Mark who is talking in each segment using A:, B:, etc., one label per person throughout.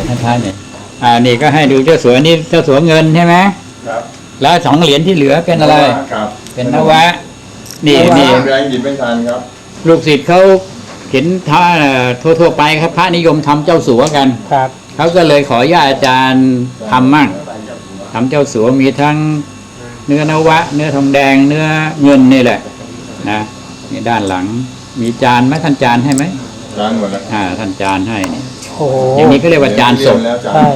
A: ท่านเนี่ยนี่ก็ให้ดูเจ้าสัวนี่เจ้าสัวเงินใช่ไหม
B: ครับ
A: แล้ว2 เหรียญที่เหลือเป็นอะไร
B: ครับ
A: เป็นนวะนี่
B: แรงหยิบไม่ทันครับ
A: ลูกศิษย์เขาเห็นท่าทั่วไปครับพระนิยมทำเจ้าสัวกัน
C: ครับ
A: เขาก็เลยขออนุญาตอาจารย์ทำมั่งทำเจ้าสัวมีทั้งเนื้อนวะเนื้อทองแดงเนื้อเงินนี่แหละนะนี่ด้านหลังมีจานไหมท่านจานให้ไหม
B: จานหมดแล้ว
A: ท่านจานให้เนี่ย
C: โอ้โห
A: อย่างนี้ก็เรียกว่าจานสด
C: ใช่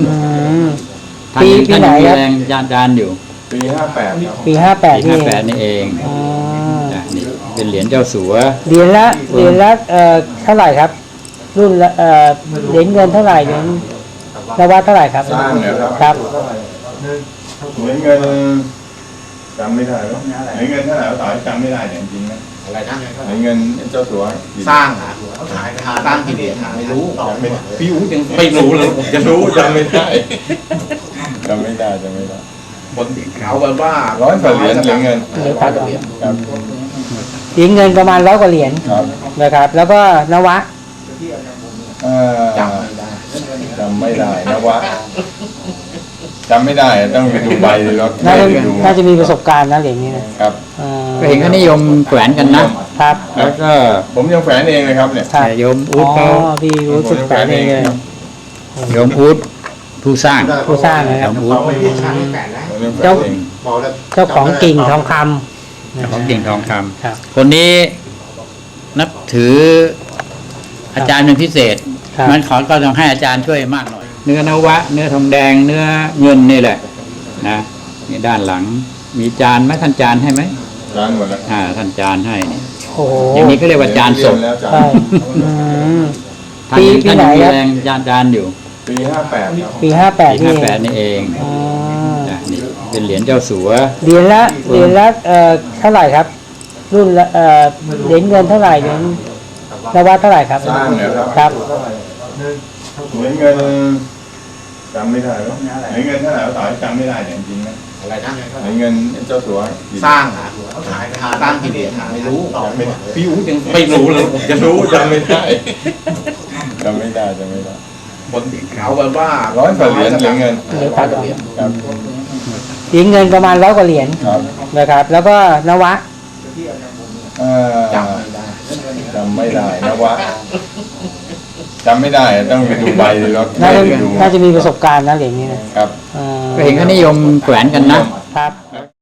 C: ปีไหนครับ
A: จานอยู่
B: ปี58ครับ
C: ปี58
A: นี่เองนี่เป็นเหรียญเจ้าสัว
C: เหรียญละเท่าไหร่ครับรุ่นเหรียญเงินเท่าไหร่เหรียญนวะเท่าไหร่ครับ
B: สร้างเนี่ย
C: ครับ
B: เหรียญเงินจำไม่ได้แล้วเหรียญเงินเท่าไหร่ต่อจำไม่ได้เนี่ยจริงๆนะ
D: อะไรนะ
B: เหรียญเงินเจ้าสัว
D: สร้างเขาขายสร้างกี่เหรียญไม่รู้
A: พี่อู๋ยัง
D: ไม่รู้เลยจะรู้
B: จำไม่ได้จำไม่ได้
D: คนเขาแบบว่า
B: 100 กว่าเหรียญเหรียญเงิน
C: ครับ
B: เหรียญ
C: เงินประมาณ100 กว่าเหรียญนะครับแล้วก็นวะ
B: จำไม่ได้นวะจำไม่ได้ต้องไปดูใบแล้ว
C: น่าจะมีประสบการณ์นะเหรียญนี้นะครับ
A: ก็เห็นเขานิยมแขวนกันนะครับแล้วก็
B: ผมยังแฝงเองเลยครับเนี่ย
A: โยมอู๊ดเขา
C: พี่อู๊ดแฝงเองเลย
A: โยมอู๊ดผู้สร้าง
C: นะครับ
A: เ
C: จ้าของกิ่งทองคำ
A: ของกิ่งทองคำคนนี้นับถืออาจารย์เป็นพิเศษมันก็ต้องให้อาจารย์ช่วยมากหน่อยเนื้อนวะเนื้อทองแดงเนื้อเงินนี่แหละนะนี่ด้านหลังมีจานไหมท่านจานให้ไหม
B: จานหมดแล้ว
A: ท่านจานให้เนี่ย
C: อย่าง
A: นี้ก็เรียกว่าจานสด
C: ใช่
A: ปีไหนครับจานอยู่
B: ปี58
C: ปี
A: 58นี่เองนี่เป็นเหรียญเจ้าสัว
C: เหรียญละเท่าไหร่ครับรุ่นเหรียญเงินเท่าไหร่เหรียญนวะเท่าไหร่ครับ
B: สร้างเนี่ย
C: ครับ
B: เหรียญเงินจำไม่ได้แล้วเหรียญเงินเท่าไหร่ต่อจำไม่ได้เนี่ยจริงๆนะ
D: อะไรนะ
B: เหรียญเงินเจ้าสัว
D: สร้างเขาขายสร้างกี่เหรียญไม่รู้
A: พี่อู๋ยัง
D: ไม่รู้เลยจะรู้
B: จำไม่ได้จำไม่ได้
D: คนเขาแบบว่า
B: 100 กว่าเหรียญเหรียญเงิน
C: ครับเหรียญเงินประมาณ100 กว่าเหรียญนะครับแล้วก็นวะ
B: จำไม่ได้นวะจำไม่ได้ต้องไปดูใบแล้ว
C: น่าจะมีประสบการณ์นะเหรียญนี้นะครับ
A: ก็เห็นเขานิยมแขวนกันนะครับ